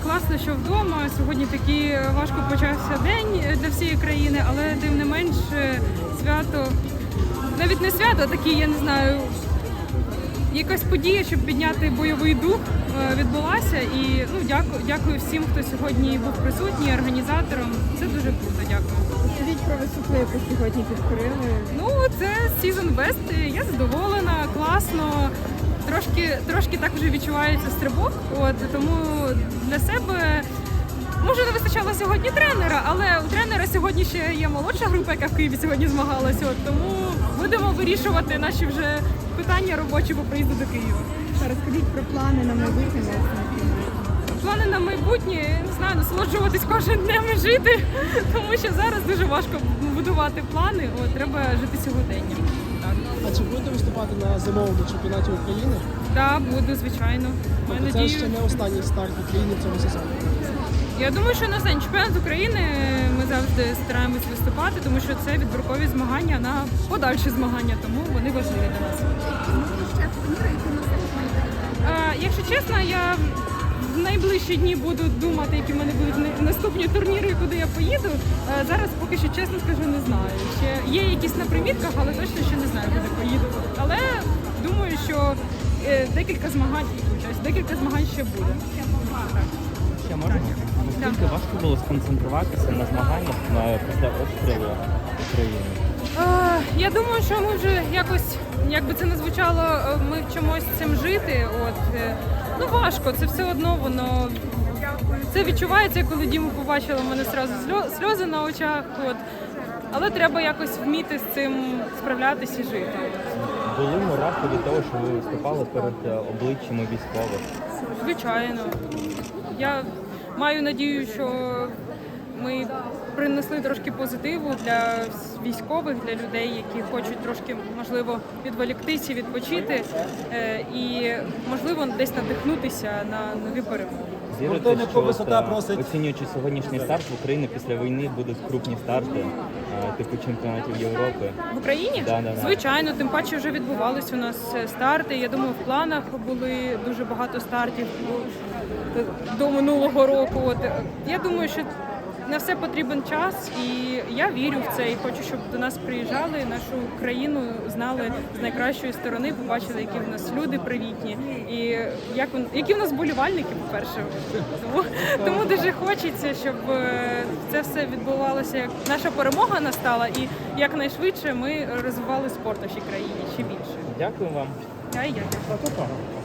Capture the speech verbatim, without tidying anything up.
класно, що вдома. Сьогодні такий важко почався день для всієї країни, але тим не менш свято, навіть не свято, а такий, я не знаю, якась подія, щоб підняти бойовий дух, відбулася. І ну, дякую, дякую всім, хто сьогодні був присутній, організаторам. Це дуже круто, дякую. Скажіть про висоту, яку сьогодні підкорили. Ну, це Season Best, я задоволена, класно. Трошки, трошки так вже відчувається стрибок, от, тому для себе, може, не вистачало сьогодні тренера, але у тренера сьогодні ще є молодша група, яка в Києві сьогодні змагалася, от, тому будемо вирішувати наші вже питання робочі по приїзду до Києва. Розкажіть про плани на майбутнє. Плани на майбутнє, не знаю, насолоджуватись кожен днем і жити, тому що зараз дуже важко будувати плани, от, треба жити сьогоденням. Так. А чи будете виступати на зимовому чемпіонаті України? Так, буду, звичайно. Тобто Ми це надію... ще не останній старт в Україні в цьому сезоні? Я думаю, що на останній чемпіонат України ми завжди стараємось виступати, тому що це відбіркові змагання на подальші змагання, тому вони важливі для нас. А, якщо чесно, я в найближчі дні буду думати, які в мене будуть наступні турніри, куди я поїду. А зараз поки що, чесно скажу, не знаю. Ще є якісь на примітках, але точно ще не знаю, куди поїду. Але думаю, що декілька змагань, декілька змагань ще буде. Ще можна? Наскільки важко було сконцентруватися на змаганнях на, після обстрілу України? Е, я думаю, що ми вже якось, як би це не звучало, ми вчимось цим жити. От, е, ну важко, це все одно воно, це відчувається, коли Діму побачила, в мене одразу сльози на очах. От. Але треба якось вміти з цим справлятися і жити. Були мурахи від того, що ви виступали перед обличчями військових? Звичайно. Я маю надію, що ми принесли трошки позитиву для військових, для людей, які хочуть трошки, можливо, відволіктися, відпочити і, можливо, десь надихнутися на нові перемоги. Вірите, що висота просить... оцінюючи сьогоднішній старт в Україні, після війни будуть крупні старти, типу чемпіонатів Європи? В Україні? Да, да, да. Звичайно, тим паче вже відбувались у нас старти. Я думаю, в планах були дуже багато стартів до минулого року. От, я думаю, що на все потрібен час, і я вірю в це, і хочу, щоб до нас приїжджали, нашу країну знали з найкращої сторони, побачили, які в нас люди привітні, і як, які в нас вболівальники, по-перше. Тому, тому дуже хочеться, щоб це все відбувалося, як наша перемога настала, і якнайшвидше ми розвивали спорт в нашій країні ще більше. Дякую вам. Я і дякую.